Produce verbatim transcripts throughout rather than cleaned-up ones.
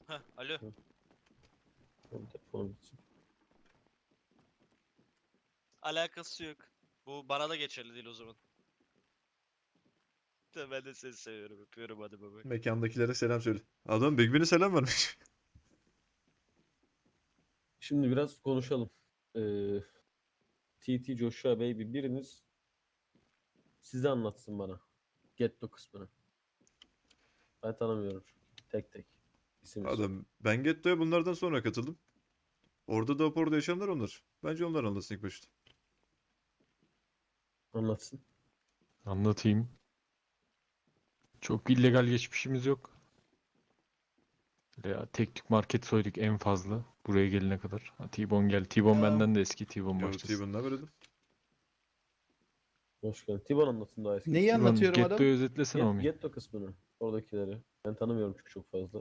Heh, alo. Hı. Benim telefonum gitsin. Alakası yok. Bu bana da geçerli değil o zaman. De ben de seni seviyorum. Öpüyorum, hadi baba. Mekandakilere selam söyle. Adam Big Ben'e selam vermiş. Şimdi biraz konuşalım. Ee, T T Joshua Baby biriniz size anlatsın bana. Getto kısmını. Ben tanımıyorum çünkü. Tek tek. İsim isim. Adam ben Getto'ya bunlardan sonra katıldım. Orada da orada yaşayanlar onlar. Bence onlar anlasın ilk başta. Anlatsın. Anlatayım. Çok illegal geçmişimiz yok. Ya tek tük market soyduk en fazla buraya gelene kadar. Ha, T-Bone gel. T-Bone benden de eski. T-Bone Yo başlasın. T-Bun'la verelim. Hoş geldin. Tiban anlatsın daha eski. Neyi T-Bone anlatıyorum adam? Getto'yu özetlesene Get, Omi. Getto kısmını. Oradakileri. Ben tanımıyorum çünkü çok fazla.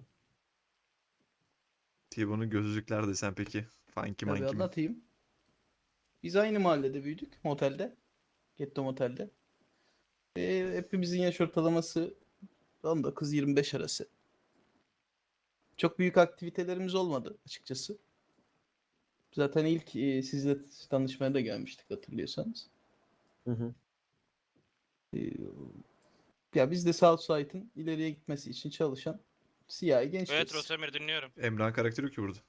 T-Bun'un gözlükler desen peki. Funky Tabii monkey mi? anlatayım. Biz aynı mahallede büyüdük. Motelde. Getto Motel'de. Ee, hepimizin yaş ortalaması on dokuz yirmi beş arası. Çok büyük aktivitelerimiz olmadı açıkçası. Zaten ilk e, sizle tanışmaya da gelmiştik hatırlıyorsanız. Hı hı. Ee, ya biz de Southside'ın ileriye gitmesi için çalışan siyahi Evet gençleriz. Rosemir, dinliyorum. Emrah'ın karakteri yok ki burada.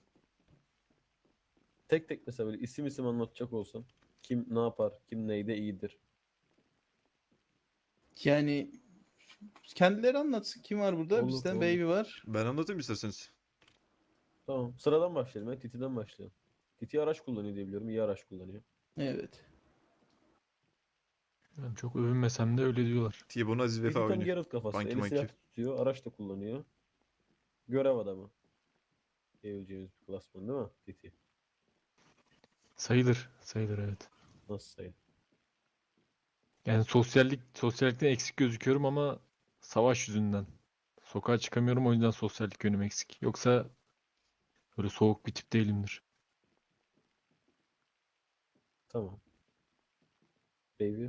Tek tek mesela böyle isim isim anlatacak olsam. Kim ne yapar? Kim neyde iyidir? Yani kendileri anlatsın. Kim var burada? Olur, Bizden olur. Baby var. Ben anlatayım isterseniz. Tamam. Sıradan başlayalım. Ya. Titi'den başlayalım. Titi araç kullanıyor diye biliyorum. İyi araç kullanıyor. Evet. Ben çok övünmesem de öyle diyorlar. T-Bone Aziz Titi Vefa tam oynuyor. Geralt kafası. Funky Eli monkey. silah tutuyor. Araç da kullanıyor. Görev adamı. Diyebileceğimiz bir klasman değil mi? Titi. Sayılır. Sayılır evet. Nasıl sayı? Yani sosyallik, sosyallikten eksik gözüküyorum ama savaş yüzünden. Sokağa çıkamıyorum o yüzden sosyallik yönüm eksik. Yoksa böyle soğuk bir tip değilimdir. Tamam. Baby.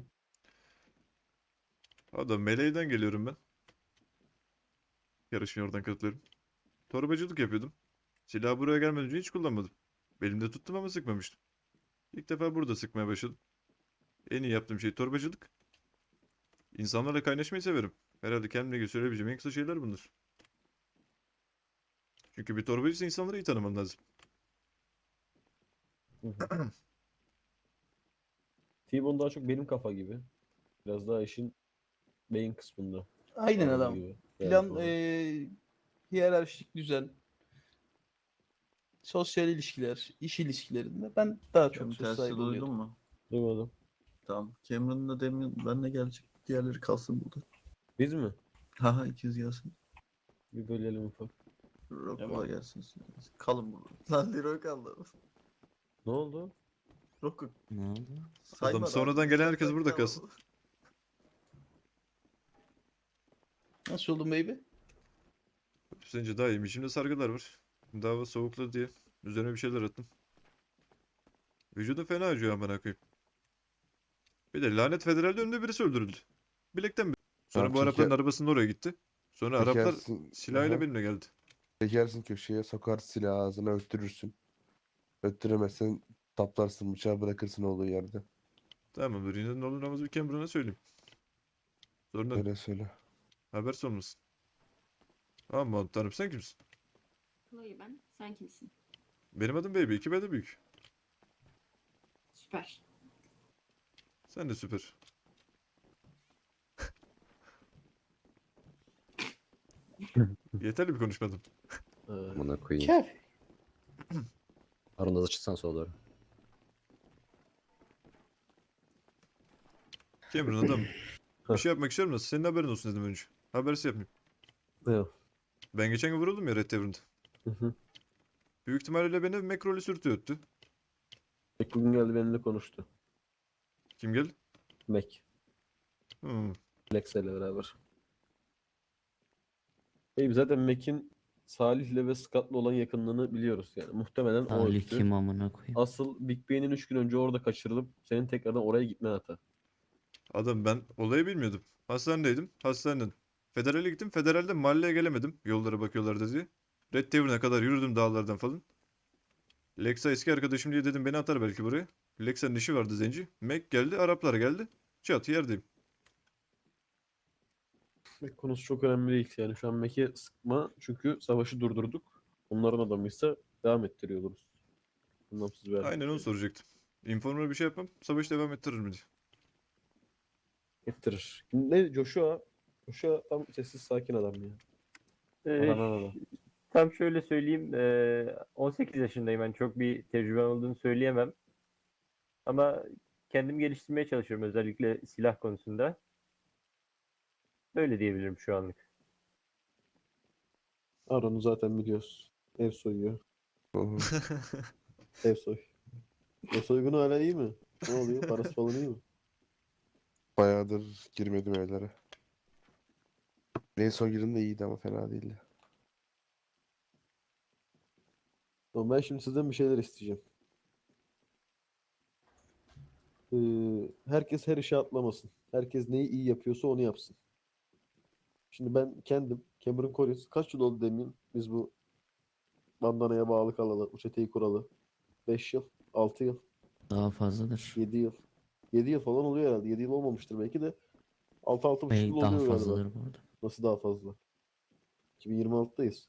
Adam Meleği'den geliyorum ben. Yarışmaya oradan katılıyorum. Torbacılık yapıyordum. Silahı buraya gelmeden önce hiç kullanmadım. Belimde tuttum ama sıkmamıştım. İlk defa burada sıkmaya başladım. En iyi yaptığım şey torbacılık. İnsanlarla kaynaşmayı severim. Herhalde kendime göre söyleyebileceğim en kısa şeyler bunlar. Çünkü bir torbacıysa insanları iyi tanıman lazım. Hı hı. T-Bone daha çok benim kafa gibi. Biraz daha işin beyin kısmında. Aynen Ağırlığı adam. gibi. Plan, Yani olarak. eee hiyerarşik düzen, sosyal ilişkiler, iş ilişkilerinde ben daha çok Benim söz tersi sahibi duydun oluyordum. mu? Duymadım. Tamam. Cameron'la Damien benle gelecek. Diğerleri kalsın burada. Biz mi? Haha ikiz gelsin. Bir bölelim ufak. Rocco Tamam. gelsin. Kalın burada. Lan Leroy kaldı. Ne oldu? Rocco Ne oldu? saymadı Adam abi. sonradan gelen herkes Sen burada kal. kalsın. Nasıl oldun baby? Sence daha iyiyim. İçimde sargılar var. Dava soğukladı diye. Üzerine bir şeyler attım. Vücudum fena acıyor amına koyayım. Bir de lanet federalde önünde birisi öldürüldü. Bilekten bir. Sonra Ha, bu Arapların çeker, arabasının oraya gitti. Sonra Araplar çekersin, silahıyla aha, benimle geldi. çekersin köşeye, sokar silahı ağzına, öttürürsün. Öttüremezsen taplarsın, bıçağı bırakırsın olduğu yerde. Tamamdır. Yine ne olur namazı bir Cameron'a söyleyeyim. Sonra Öyle söyle. haber olmasın. Aman tanrım, sen kimsin? Chloe ben. Sen kimsin? Benim adım Baby. iki B de büyük. Süper. Sen de süper. Yeterli bir konuşmadım. Ee, Amına koyayım. Kafi. Aranızda çıksan sola doğru. Cameron adam. Bir şey yapmak istiyorum da senin haberin olsun dedim önce. Habersiz yapmayayım. evet. Ben geçen gün vuruldum ya Red Tavern'da. Hı hı. Büyük ihtimalle beni Mekrol'ü sürtüyor öttü. Mac bugün geldi benimle konuştu. Kim geldi? Mac. Hmm. Lexa ile beraber. Baby zaten Mac'in Salih'le ve Scott'la olan yakınlığını biliyoruz yani. Muhtemelen o Ali öttü. kim amına koyayım? Asıl Big Ben'in üç gün önce orada kaçırılıp senin tekrardan oraya gitmen hata. Adam ben olayı bilmiyordum. Hastanedeydim. Hastaneden. Federale gittim. Federalde mahalleye gelemedim. Yollara bakıyorlardı diye. Red Tavern'a kadar yürüdüm dağlardan falan. Lexa eski arkadaşım diye dedim beni atar belki buraya. Lexa'nın işi vardı zenci. Mac geldi, Araplar geldi. Çat yerdeyim. Mac konusu çok önemli değil yani. Şu an Mac'e sıkma çünkü savaşı durdurduk. Onların adamıysa devam ettiriyor oluruz. Anlamsız bir hareket Aynen onu yani. soracaktım. Informer bir şey yapmam. Savaş devam ettiririm diye. Ettirir. Ne Joshua? Joshua tam sessiz sakin adam ya. Ee, Aranan adam. tam şöyle söyleyeyim. eee, on sekiz yaşındayım. Ben çok bir tecrüben olduğunu söyleyemem. Ama kendimi geliştirmeye çalışıyorum özellikle silah konusunda. Böyle diyebilirim şu anlık. Aron'u zaten biliyoruz. Ev soyuyor. Oho. Ev soy. Ev soygunu hala iyi mi? Ne oluyor? Parası falan iyi mi? Bayağıdır girmedim evlere. En son girdim de iyiydi ama fena değildi. Tamam, ben şimdi sizden bir şeyler isteyeceğim. Ee, herkes her işe atlamasın. Herkes neyi iyi yapıyorsa onu yapsın. Şimdi ben kendim, Cameron Corris, kaç yıl oldu demin biz bu bandanaya bağlı kalalı, bu çeteyi kuralı? beş yıl, altı yıl, Daha fazladır. yedi yıl. yedi yıl falan oluyor herhalde. yedi yıl olmamıştır belki de. altı altı buçuk Bey yıl daha oluyor galiba. fazladır bu arada. Nasıl daha fazla? iki bin yirmi altıdayız.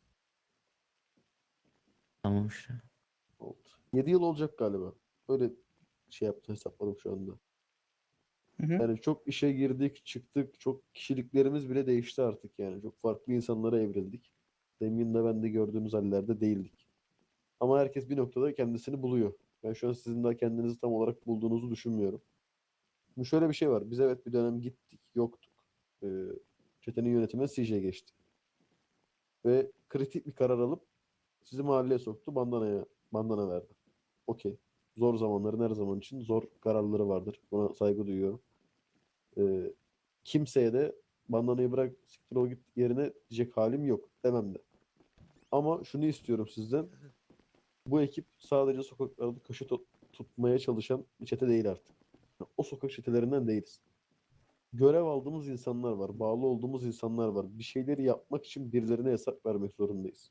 Tamam işte. Oldu. yedi yıl olacak galiba. Öyle şey yaptı, hesapladım şu anda. Hı hı. Yani çok işe girdik, çıktık. Çok kişiliklerimiz bile değişti artık yani. Çok farklı insanlara evrildik. Demin de ben de gördüğünüz hallerde değildik. Ama herkes bir noktada kendisini buluyor. Ben şu an sizin daha kendinizi tam olarak bulduğunuzu düşünmüyorum. Şimdi şöyle bir şey var. Biz evet bir dönem gittik, yoktuk. Ee, çetenin yönetimine C J geçti. Ve kritik bir karar alıp sizi mahalleye soktu, bandanaya, bandana verdi. Okey. Zor zamanların her zaman için zor kararları vardır. Buna saygı duyuyorum. Ee, kimseye de bandanayı bırak siktir ol git yerine diyecek halim yok demem de. Ama şunu istiyorum sizden. Bu ekip sadece sokaklarda köşe tut- tutmaya çalışan bir çete değil artık. O sokak çetelerinden değiliz. Görev aldığımız insanlar var. Bağlı olduğumuz insanlar var. Bir şeyleri yapmak için birilerine hesap vermek zorundayız.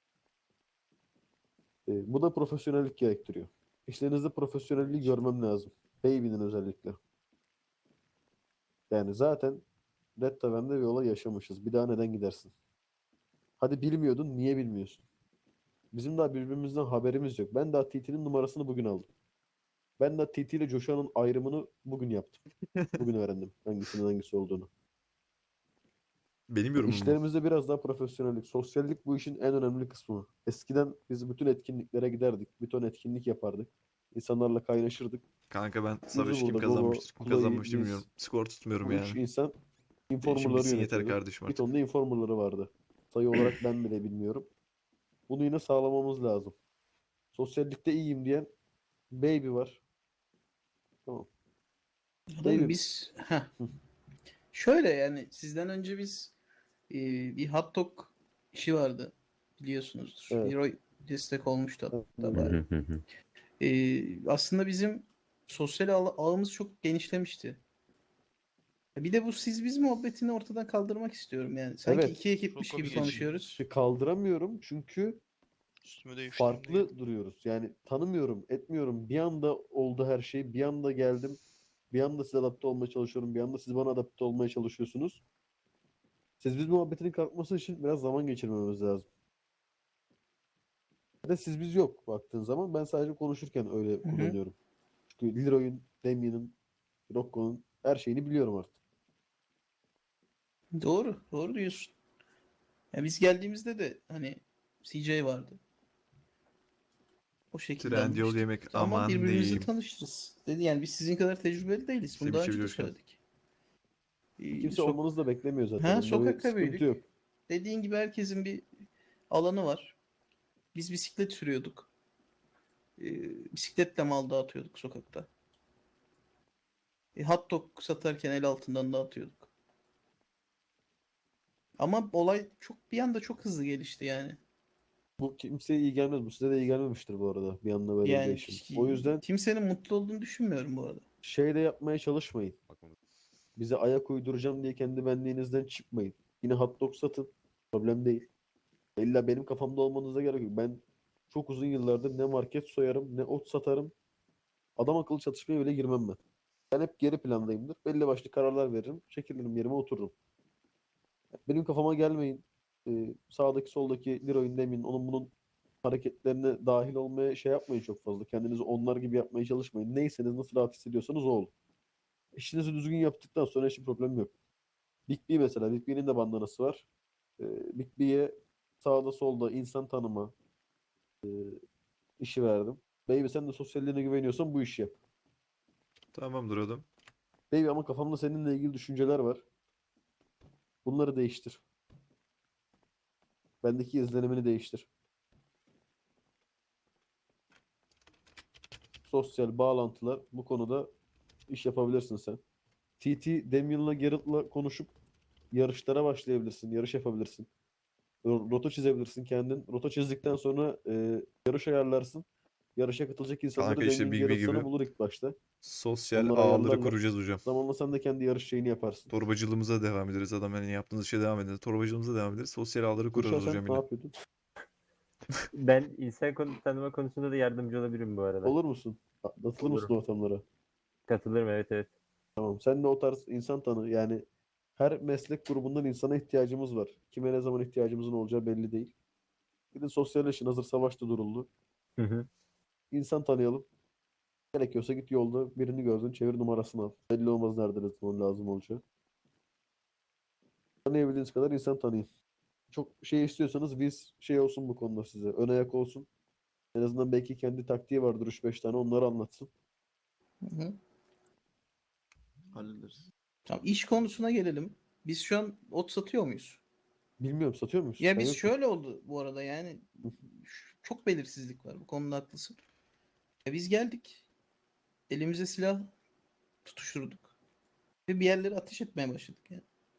Ee, bu da profesyonellik gerektiriyor. İşlerinizde profesyonelliği görmem lazım. Baby'nin özellikle. Yani zaten Red Tavern'de bir olay yaşamışız. Bir daha neden gidersin? Hadi bilmiyordun, niye bilmiyorsun? Bizim daha birbirimizden haberimiz yok. Ben daha T T'nin numarasını bugün aldım. Ben daha T T ile Joshua'nın ayrımını bugün yaptım. Bugün öğrendim hangisinin hangisi olduğunu. Benim yorumum bu. İşlerimizde biraz daha profesyonellik, sosyallik bu işin en önemli kısmı. Eskiden biz bütün etkinliklere giderdik. Bir ton etkinlik yapardık. İnsanlarla kaynaşırdık. Kanka ben Yüzü savaşı kim burada, Gogo, kazanmıştır, kim Chloe, kazanmış Liz. bilmiyorum. Skor tutmuyorum Bu üç yani. insan Benim için informerları bitsin yeter yönetiyordu. kardeşim Bir artık. ton da informerları vardı. Sayı olarak ben bile bilmiyorum. Bunu yine sağlamamız lazım. Sosyallikte iyiyim diyen Baby var. Tamam. Adam Baby. biz heh. Hı. Şöyle yani sizden önce biz e, bir hot dog işi vardı biliyorsunuzdur. Evet. Leroy destek olmuştu hatta Evet. bayağı. E, aslında bizim sosyal ağ- ağımız çok genişlemişti. Bir de bu siz biz muhabbetini ortadan kaldırmak istiyorum yani. Sanki Evet. iki ekipmiş Çok gibi komik. konuşuyoruz. İşte kaldıramıyorum çünkü Üstüme değiştim farklı duruyoruz. Yani tanımıyorum, etmiyorum. Bir anda oldu her şey. Bir anda geldim. Bir anda size adapte olmaya çalışıyorum. Bir anda siz bana adapte olmaya çalışıyorsunuz. Siz biz muhabbetinin kalkması için biraz zaman geçirmemiz lazım. Bir de siz biz yok baktığın zaman. Ben sadece konuşurken öyle Hı hı. kullanıyorum. Çünkü Leroy'un, Damien'in, Rocco'nun her şeyini biliyorum artık. Doğru, doğru diyorsun. Ya biz geldiğimizde de hani C J vardı. O şekilde Trendyol anlaştık. yemek Ama aman birbirimizle diyeyim. tanışırız. Dedi yani biz sizin kadar tecrübeli değiliz. Bunu Semih daha Çebi önce de Coşkun. söyledik. Ee, Kimse sok- olmanızı da beklemiyor zaten. Ha, Onda bir sokakta sıkıntı büyüdük. yok. Dediğin gibi herkesin bir alanı var. Biz bisiklet sürüyorduk. Ee, bisikletle mal dağıtıyorduk sokakta. E, hot dog satarken el altından dağıtıyorduk. Ama olay çok bir anda çok hızlı gelişti yani. Bu kimseye iyi gelmez. Bu size de iyi gelmemiştir bu arada. Bir anda böyle bir Yani değişim. ki- O yüzden kimsenin mutlu olduğunu düşünmüyorum bu arada. şey de yapmaya çalışmayın. Bize ayak uyduracağım diye kendi benliğinizden çıkmayın. Yine hot dog satın. Problem değil. İlla benim kafamda olmanıza gerek yok. Ben çok uzun yıllardır ne market soyarım ne ot satarım. Adam akıllı çatışmaya bile girmem ben. Ben hep geri plandayımdır. Belli başlı kararlar veririm. Çekilirim yerime otururum. Benim kafama gelmeyin. Ee, sağdaki soldaki Leroy'un demin onun bunun hareketlerine dahil olmaya şey yapmayın çok fazla. Kendinizi onlar gibi yapmaya çalışmayın. Neyseniz nasıl rahat hissediyorsanız o olun. İşinizi düzgün yaptıktan sonra hiçbir problem yok. Big B mesela. Big B'nin de bandanası var. Ee, Big B'ye sağda solda insan tanıma işi verdim. Baby sen de sosyalliğine güveniyorsan bu işi yap. Tamamdır adam. Baby ama kafamda seninle ilgili düşünceler var. Bunları değiştir. Bendeki izlenimini değiştir. Sosyal bağlantılar bu konuda iş yapabilirsin sen. T T Damien'la Garrett'la konuşup yarışlara başlayabilirsin. Yarış yapabilirsin. Ro- Rota çizebilirsin kendin. Rota çizdikten sonra e, yarış ayarlarsın. Yarışa katılacak insanları Kanka işte Damien Big B Garrett sana gibi bulur ilk başta. sosyal Onlar ağları ayarlarlar. kuracağız hocam. Zamanla sen de kendi yarış şeyini yaparsın. Torbacılığımıza devam ederiz adam. Yani yaptığınız işe devam ederiz. Torbacılığımıza devam ederiz. Sosyal ağları kurarız Gülşah sen hocam ne yine. yapıyordun? Ben insan konu tanıma konusunda da yardımcı olabilirim bu arada. Olur musun? Atılır mısın Olurum. o ortamlara? Katılırım, evet evet. Tamam. Sen de o tarz insan tanı. Yani her meslek grubundan insana ihtiyacımız var. Kime ne zaman ihtiyacımızın olacağı belli değil. Gidin sosyalleşin. Hazır savaşta duruldu. Hı hı. İnsan tanıyalım. Gerekiyorsa git yolda birini gördün çevir numarasını al. Belli olmaz nerede ne zaman lazım olacağı. Tanıyabildiğiniz kadar insan tanıyın. Çok şey istiyorsanız biz şey olsun bu konuda size. Ön ayak olsun. En azından belki kendi taktiği vardır üç beş tane onları anlatsın. Hı hı. Hallederiz. Tamam, iş konusuna gelelim. Biz şu an ot satıyor muyuz? Bilmiyorum satıyor muyuz? Ya Ben biz yokum. şöyle oldu bu arada, yani şu- çok belirsizlik var, bu konuda haklısın. Ya biz geldik. Elimize silah tutuşturduk. Ve bir yerlere ateş etmeye başladık yani.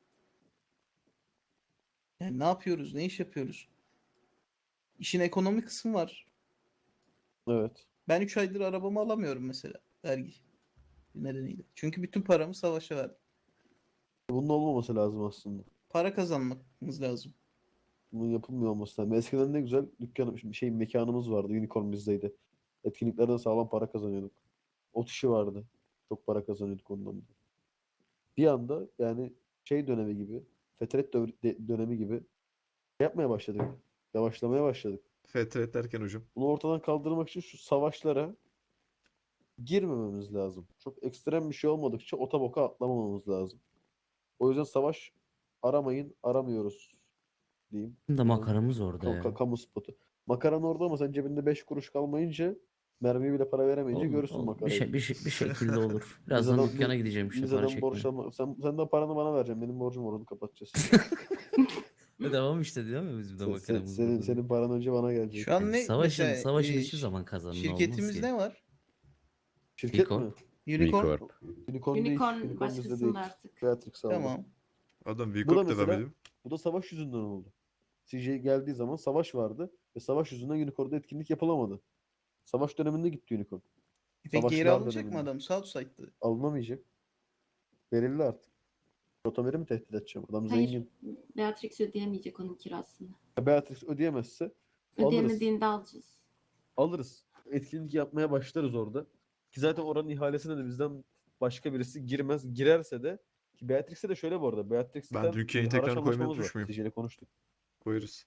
Yani ne yapıyoruz? Ne iş yapıyoruz? İşin ekonomi kısmı var. Evet. Ben üç aydır arabamı alamıyorum mesela. Vergi nedeniyle. Çünkü bütün paramı savaşa verdim. Bunun olmaması lazım aslında. Para kazanmamız lazım. Bunun yapılmıyor olması lazım. Eskiden ne güzel dükkan şey mekanımız vardı. Unicorn bizdeydi. Etkinliklerden sağlam para kazanıyorduk. Ot işi vardı. Çok para kazanıyorduk ondan. da. Bir anda yani şey dönemi gibi, fetret dö- de- dönemi gibi yapmaya başladık. Yavaşlamaya başladık. Fetret derken hocam. Bunu ortadan kaldırmak için şu savaşlara girmememiz lazım. Çok ekstrem bir şey olmadıkça ota boka atlamamamız lazım. O yüzden savaş aramayın, aramıyoruz diyeyim. Da makaramız orada Ka- ya. ka- kamu spotu. Makaran orada ama sen cebinde beş kuruş kalmayınca mermiye bile para veremeyince Olur, görürsün olur. Bir, makarayı. şey, bir, şey- bir şekilde olur. Biz Birazdan adam- dükkana biz- gideceğim işte biz para adam borç çekmeye. alma. Sen, sen de paranı bana vereceksin. Benim borcum var onu kapatacağız. E tamam işte diyor mu bizim de Sen- sen- makaramız senin, burada. senin paran önce bana gelecek. Şu an ne Savaşın, mesela savaşın e, hiçbir zaman kazanın olmaz şirketimiz ki. ne var? Şirket Unicorn. mi? Unicorn. Unicorn, değil. Unicorn Unicorn bizde başkasında değil. artık. Beatrix aldı. Tamam. Adam Bu da Vikop devam mesela edeyim. bu da savaş yüzünden oldu. C J geldiği zaman savaş vardı ve savaş yüzünden Unicorn'da etkinlik yapılamadı. Savaş döneminde gitti Unicorn. Peki geri Savaşlar alınacak mı döneminde. adam? Southside'dı. Alınamayacak. Verildi artık. Rotamer'i mi tehdit edeceğim? Adam Hayır, zengin. Beatrix ödeyemeyecek onun kirasını. Beatrix ödeyemezse alırız. Ödeyemediğinde alacağız. Alırız. Etkinlik yapmaya başlarız orada. Ki zaten oranın ihalesine de bizden başka birisi girmez. Girerse de ki Beatrix'e de şöyle bu arada. Beatrix'ten Ben Türkiye'yi bir tekrar haraç koymayı anlaşmamız var. unutmuş muyum? C J ile konuştuk. Koyarız.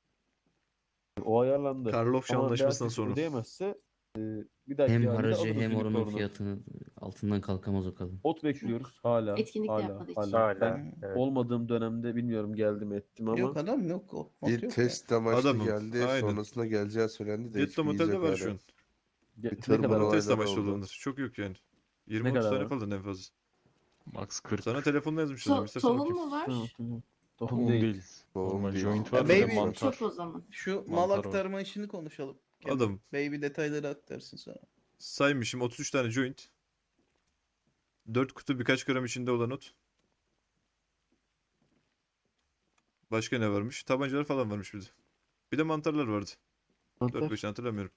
O ayarlandı. Karlofça Ama anlaşmasından Beatrix sonra. ödeyemezse e, bir dahaki Hem ihalede haracı alırız hem oranın Unicorn'u. fiyatını altından kalkamaz o kadın. Ot bekliyoruz hala. Etkinlik de hala, yapmadığı için. hala. Hala. Ben Evet. olmadığım dönemde bilmiyorum geldim ettim ama Yok adam yok. O, ot Bir yok test amaçlı Adamım, geldi. aynen. Sonrasında geleceği söylendi de Getto hiçbir iz Motel'de yok var hala. şu an. Ge- Bir ne tırmanma kadar? olayları Test amaçlı oldu. olanlar. Çok yok yani. Ne yirmi otuz kadar tane abi? falan en fazla. Max kırk. Sana telefonla yazmış hocam. To- İstersen tohum bakayım. mu var? Tohum Tohum değil. değil. Tohum Normal değil. joint Ya var bir de baby- mantar. Çöp o zaman. Şu mal Mantar var. aktarma işini konuşalım. Kemal. Adam. Baby detayları aktarsın sonra. Saymışım otuz üç tane joint. dört kutu birkaç gram içinde olan ot. Başka ne varmış? Tabancalar falan varmış bir de. Bir de mantarlar vardı. Mantar. dört beş hatırlamıyorum.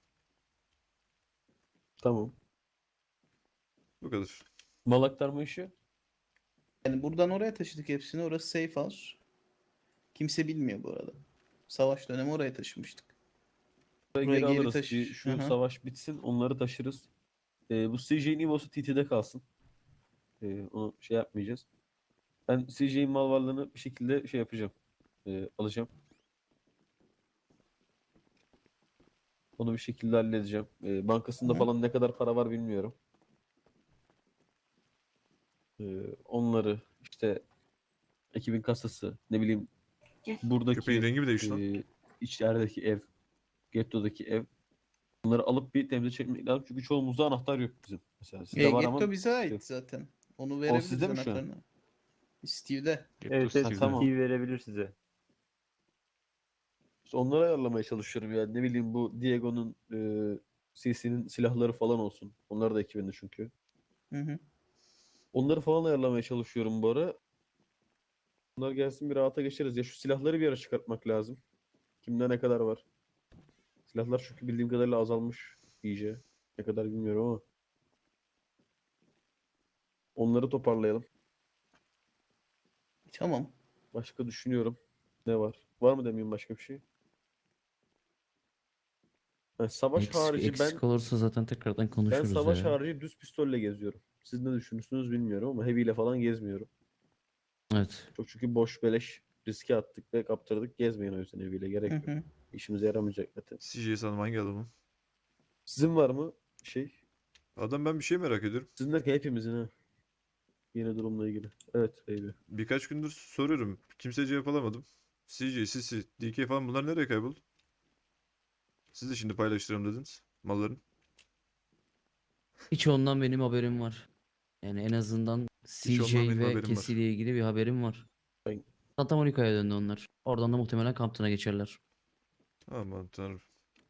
Tamam. Bu kadar. Mal aktarma işi. Yani buradan oraya taşıdık hepsini. Orası safe house. Kimse bilmiyor bu arada. Savaş dönemi oraya taşımıştık. Buraya Buraya geri geri alırız. taşı- Bir şu Hı hı. savaş bitsin, onları taşırız. Ee, bu C J'nin Evo'su T T'de kalsın. Ee, onu şey yapmayacağız. Ben C J'nin mal varlığını bir şekilde şey yapacağım. Ee, alacağım. Onu bir şekilde halledeceğim. Ee, bankasında Hı. falan ne kadar para var bilmiyorum. Ee, onları işte ekibin kasası, ne bileyim Gel. buradaki Köpeğin rengi mi değişti lan? e, içerideki ev, getto'daki ev. Bunları alıp bir temize çekmek lazım. Çünkü çoğumuzda anahtar yok bizim. Mesela sizde E, var ama Getto bize bizde ait yok. zaten. Onu O verebiliriz sizde mi şu an? anahtarını. Steve'de. Getto Evet, evet Ha, Steve'de. tamam. Steve verebilir size. İşte onları ayarlamaya çalışıyorum yani. Ne bileyim bu Diego'nun e, C C'nin silahları falan olsun. Onlar da ekibinde çünkü. Hı hı. Onları falan ayarlamaya çalışıyorum bu ara. Bunlar gelsin bir rahata geçeriz. Ya şu silahları bir ara çıkartmak lazım. Kimde ne kadar var? Silahlar çünkü bildiğim kadarıyla azalmış iyice. Ne kadar bilmiyorum ama. Onları toparlayalım. Tamam. Başka düşünüyorum. Ne var? Var mı demeyeyim başka bir şey? Ha, savaş Eksik, harici ben eksik olursa zaten tekrardan ben konuşuruz savaş ya. harici düz pistolle geziyorum. Siz ne düşünürsünüz bilmiyorum ama heavy ile falan gezmiyorum. Evet. Çok çünkü boş beleş riske attık ve kaptırdık. Gezmeyin o yüzden heavy ile gerek Hı yok. hı. İşimize yaramayacak zaten. C J sanırım hangi adamı? Sizin var mı şey? Adam ben bir şey merak ediyorum. Sizin derken hepimizin ha. Yeni durumla ilgili. Evet heavy. Birkaç gündür soruyorum. Kimseye cevap alamadım. C J, Sisi, D K falan bunlar nereye kayboldu? Siz de şimdi paylaştıralım dediniz malların. Hiç ondan benim haberim var. Yani en azından Hiç ondan C J benim ve haberim var. Cassie ile ilgili bir haberim var. Ben- Santa Monica'ya döndü onlar. Oradan da muhtemelen Compton'a geçerler. Aman tanrım.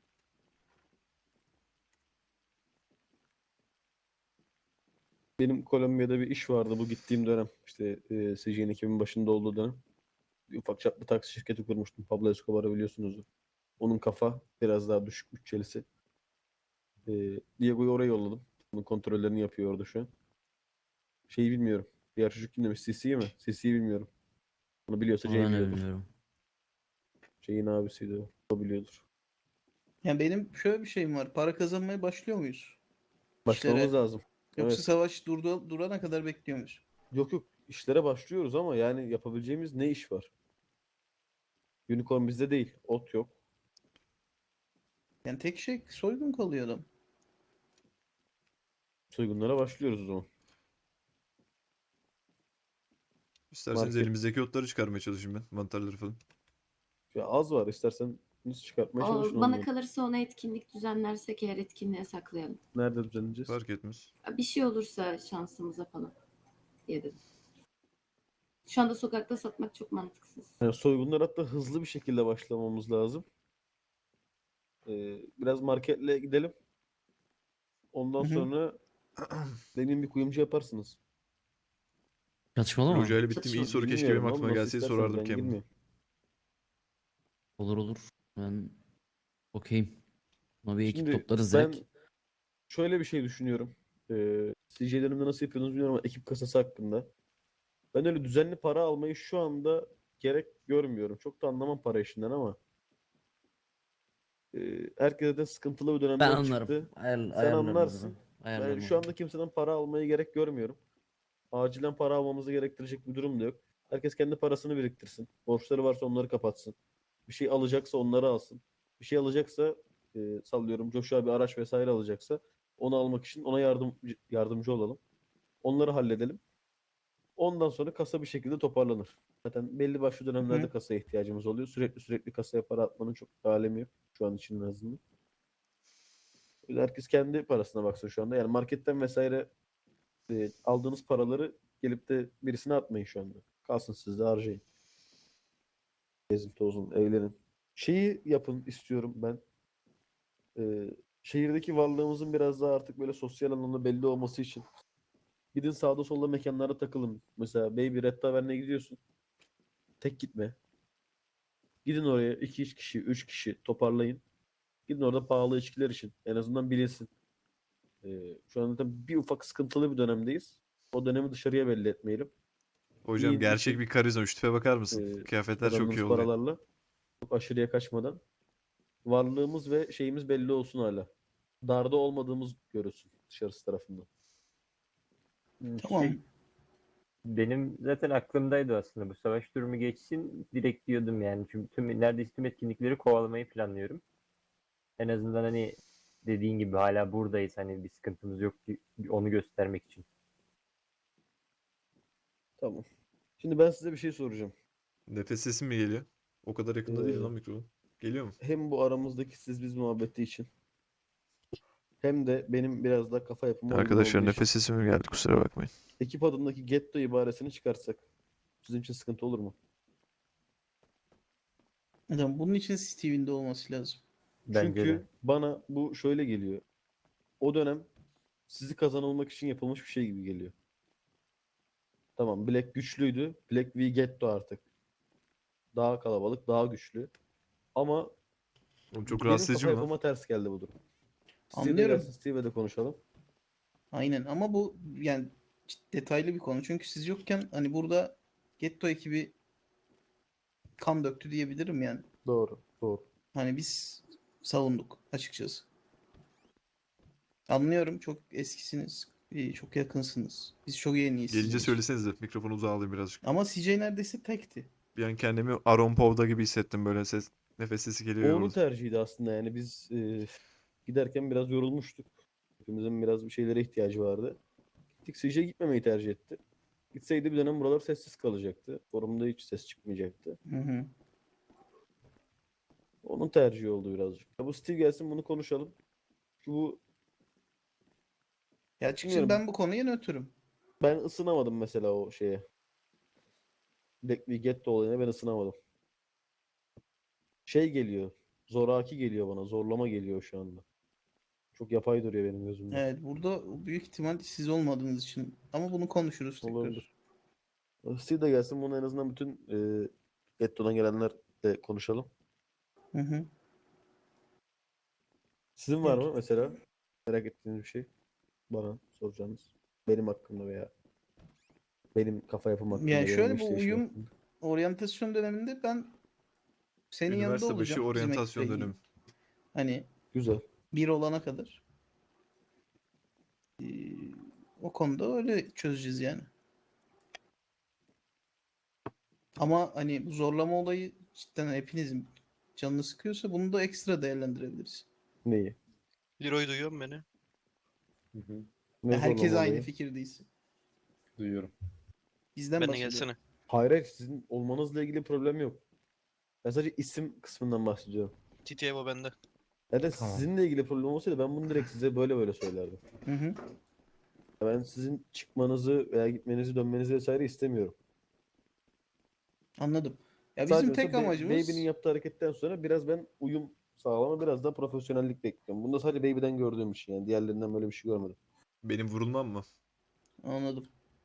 Benim Kolombiya'da bir iş vardı bu gittiğim dönem. İşte e, C J'nin ekibin başında olduğu dönem. Bir ufak çaplı taksi şirketi kurmuştum. Pablo Escobar'ı biliyorsunuz. Onun kafa biraz daha düşük bütçelisi. E, Diego'yu oraya yolladım. Bunun kontrollerini yapıyor orada şu an. Şeyi bilmiyorum. Diğer çocuk kim demiş? C C'yi mi? C C'yi bilmiyorum. Onu biliyorsa Ama Jay ben de biliyordur. bilmiyorum. Jay'in abisiydi o. O biliyordur. Yani benim şöyle bir şeyim var. Para kazanmaya başlıyor muyuz? Başlamamız İşlere. lazım. Yoksa Evet. savaş durdu, durana kadar bekliyor muyuz? Yok yok. İşlere başlıyoruz ama yani yapabileceğimiz ne iş var? Unicorn bizde değil. Ot yok. Yani tek şey soygun kalıyor adam. Soygunlara başlıyoruz o zaman. İsterseniz Market. elimizdeki otları çıkarmaya çalışayım ben. Mantarları falan. Ya az var. İstersen biz çıkartmaya çalışın O, bana onları. kalırsa ona etkinlik düzenlersek eğer etkinliğe saklayalım. Nerede düzenleyeceğiz? Fark etmez. Bir şey olursa şansımıza falan diye dedim. Şu anda sokakta satmak çok mantıksız. Yani soygunlar hatta hızlı bir şekilde başlamamız lazım. Ee, biraz marketle gidelim. Ondan Hı hı. sonra benim bir kuyumcu yaparsınız. Çatışmalı mı? Roja ile bittim. İyi Çatışma. soru keşke Bilmiyorum benim oğlum, aklıma nasıl gelseydi isterseniz sorardım ben kendime. girmiyorum. Olur olur. Ben okeyim. Ama bir ekip Şimdi toplarız ben direkt. şöyle bir şey düşünüyorum. Ee, C J'lerimde nasıl yapıyorsunuz bilmiyorum ama ekip kasası hakkında. Ben öyle düzenli para almayı şu anda gerek görmüyorum. Çok da anlamam para işinden ama e, herkese de sıkıntılı bir Ben dönemden anlarım. çıktı. Ayar, Sen ayarlarım anlarsın. onu. Ben Ayarlarım şu onu. anda kimseden para almaya gerek görmüyorum. Acilen para almamızı gerektirecek bir durum da yok. Herkes kendi parasını biriktirsin. Borçları varsa onları kapatsın. Bir şey alacaksa onları alsın. Bir şey alacaksa e, sallıyorum Joshua bir araç vesaire alacaksa onu almak için ona yardım yardımcı olalım. Onları halledelim. Ondan sonra kasa bir şekilde toparlanır. Zaten belli başlı dönemlerde Hı. kasaya ihtiyacımız oluyor. Sürekli sürekli kasaya para atmanın çok bir alemi yok. Şu an için en azından. Herkes kendi parasına baksın şu anda. Yani marketten vesaire e, aldığınız paraları gelip de birisine atmayın şu anda. Kalsın sizde harcayın. Gezin tozun, eğlenin. Şeyi yapın istiyorum ben. E, şehirdeki varlığımızın biraz daha artık böyle sosyal anlamda belli olması için. Gidin sağda solda mekanlara takılın. Mesela Baby Red Tavern'e gidiyorsun. Tek gitme. Gidin oraya iki üç kişi, üç kişi toparlayın. Gidin orada pahalı içkiler için. En azından bilinsin. Ee, şu anda tabii bir ufak sıkıntılı bir dönemdeyiz. O dönemi dışarıya belli etmeyelim. Hocam Yiyin, gerçek için, bir karizma. Şu tipe bakar mısın? e, Kıyafetler çok iyi kazandığınız oluyor. paralarla. Çok aşırıya kaçmadan. Varlığımız ve şeyimiz belli olsun hala. Darda olmadığımız görülsün dışarısı tarafından. Hmm, Tamam. Şey, benim zaten aklımdaydı aslında bu savaş durumu geçsin direkt diyordum yani. Çünkü tüm, neredeyse tüm etkinlikleri kovalamayı planlıyorum. En azından hani dediğin gibi hala buradayız hani bir sıkıntımız yok ki onu göstermek için. Tamam. Şimdi ben size bir şey soracağım. Nefes sesi mi geliyor? O kadar yakında değil Ee, lan mikrofon. Geliyor mu? Hem bu aramızdaki siz biz muhabbeti için hem de benim biraz da kafa yapıma uygun Arkadaşlar olduğu için. nefes sesi mi geldi kusura bakmayın. Ekip adındaki getto ibaresini çıkarsak sizin için sıkıntı olur mu? Adam bunun için Steve'in olması lazım. Bence Çünkü de. bana bu şöyle geliyor. O dönem sizi kazanılmak için yapılmış bir şey gibi geliyor. Tamam, Black güçlüydü. Black v Getto artık. Daha kalabalık, daha güçlü. Ama Oğlum çok benim rahatsız edici kafa mi lan? yapıma ters geldi bu durum. Steve de Anlıyorum. gelsin, Steve'le de konuşalım. Aynen ama bu yani detaylı bir konu. Çünkü siz yokken hani burada Getto ekibi kan döktü diyebilirim yani. Doğru, doğru. Hani biz savunduk açıkçası. Anlıyorum çok eskisiniz. iyi, Çok yakınsınız. Biz çok yeniyiz sizin Gelince için. söylesenize mikrofonu uzağa alayım birazcık. Ama C J neredeyse tekti. Bir an kendimi Aaron Paul'da gibi hissettim böyle ses nefes sesi geliyor O ya onun burada. tercihiydi aslında yani biz e, giderken biraz yorulmuştuk. Hepimizin biraz bir şeylere ihtiyacı vardı. Gittik, C J gitmemeyi tercih etti. Gitseydi bir dönem buralar sessiz kalacaktı. Forumda hiç ses çıkmayacaktı. Hı hı. Onun tercihi oldu birazcık. Ya bu Steve gelsin, bunu konuşalım. Şu bu Ya açıkçası Bilmiyorum. ben bu konuya nötrüm. ben ısınamadım mesela o şeye. Black v Getto olayına ben ısınamadım. Şey geliyor. Zoraki geliyor bana. Zorlama geliyor şu anda. Çok yapay duruyor benim gözümde. Evet burada büyük ihtimal siz olmadığınız için. Ama bunu konuşuruz tekrar. Olabilir. Steve de gelsin, bunu en azından bütün e, Getto'dan gelenler de konuşalım. Hı hı. Sizin var mı mesela merak ettiğiniz bir şey? Bana soracağınız. Benim hakkımda veya benim kafa yapım hakkında. Yani benim şöyle bu işleyişim uyum hakkında. oryantasyon döneminde ben senin yanında Üniversite başı olacağım. bizim oryantasyon ekiple. dönemi. Hani Güzel. bir olana kadar. Ee, o konuda öyle çözeceğiz yani. Ama hani bu zorlama olayı cidden hepinizin canını sıkıyorsa bunu da ekstra değerlendirebiliriz. Neyi? Leroy duyuyor mu beni? Hı hı. Ne Herkes zorlama aynı olayı? fikirdeyiz. Duyuyorum. Bizden Ben de bahsediyorum. gelsene. Hayır, hayır, sizin olmanızla ilgili problem yok. Ben sadece isim kısmından bahsediyorum. T T Evo bende. Yani Tamam. sizinle ilgili problem olsaydı ben bunu direkt size böyle böyle söylerdim. Hı hı. Ben sizin çıkmanızı veya gitmenizi, dönmenizi vesaire istemiyorum. Anladım. Ya Sadece bizim mesela tek Ba- amacımız Baby'nin yaptığı hareketten sonra biraz ben uyum sağlama, biraz da profesyonellik bekliyorum. Bunda sadece Baby'den gördüğüm bir şey yani. Diğerlerinden böyle bir şey görmedim. Benim vurulmam mı? anladım.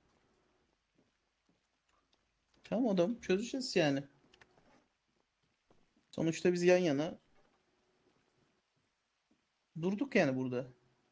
Tamam adam çözeceğiz yani. Sonuçta biz yan yana durduk yani burada.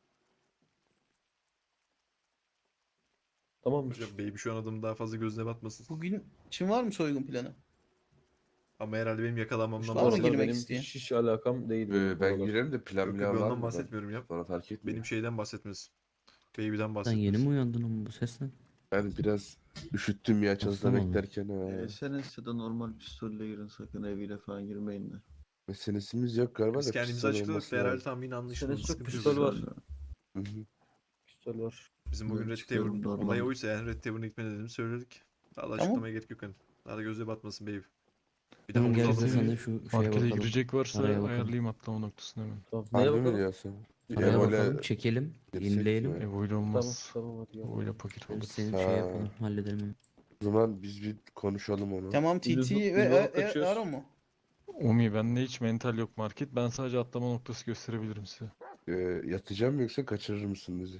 Tamamdır. Hocam baby şu an adamın daha fazla gözüne batmasın. Bugün için var mı soygun planı? Ama herhalde benim yakalanmamdan Var mı Oralar girmek bahsediyorum. benim isteyen? hiç, hiç alakam değil. benim Ee, ben oralar. girerim de plan Yok yok plan ben var ondan mı? bahsetmiyorum ya. Bana fark etmiyor. Benim şeyden bahsetmez. Baby'den Sen bahsetmez. yeni mi uyandın oğlum bu sesten? Ben biraz üşüttüm ya çatıda Hasta mı oldun? beklerken. Ha. Ee, sen ise de normal pistolle girin, sakın eviyle falan girmeyin de. Meselesimiz yok galiba Biz da kendimizi pistol açıkladık olması da herhalde lazım. tam yine anlaşılmadı. Senesi yok, Sıkıntı yok. pistol var. Pistolle. Hı hı. Pistol var. Bizim bugün Evet, Red çıkıyorum, Tavern normal. olayı oysa yani Red Tavern'a gitme dediğimizi söyledik. Daha da Tamam. açıklamaya gerek yok hani. Daha da gözüne batmasın baby. Bir de Tamam havuz gel aldım biz de sen de diye. şu şeye Markete bakalım. girecek varsa Paraya bakalım. ayarlayayım atlama noktasını hemen. Tamam. Neye Harbi mi bakalım? diyorsun? Paraya Ya bakalım, böyle çekelim, girsek yenileyelim. mi? Evo ile Tamam, olmaz. tamam hadi gel. Evo ile paket Yani olur. senin Ha. şey yapalım, halledelim hemen. O zaman biz bir konuşalım onu. Tamam T Biz T bu- ve biz bu E- hafta E- kaçıyoruz. Aro mu? Omi bende hiç mental yok market. Ben sadece atlama noktası gösterebilirim size. Ee, yatacağım mı yoksa kaçırır mısın bizi?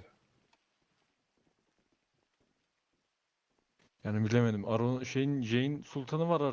Yani bilemedim. Aron şeyin Jane Sultan'ı var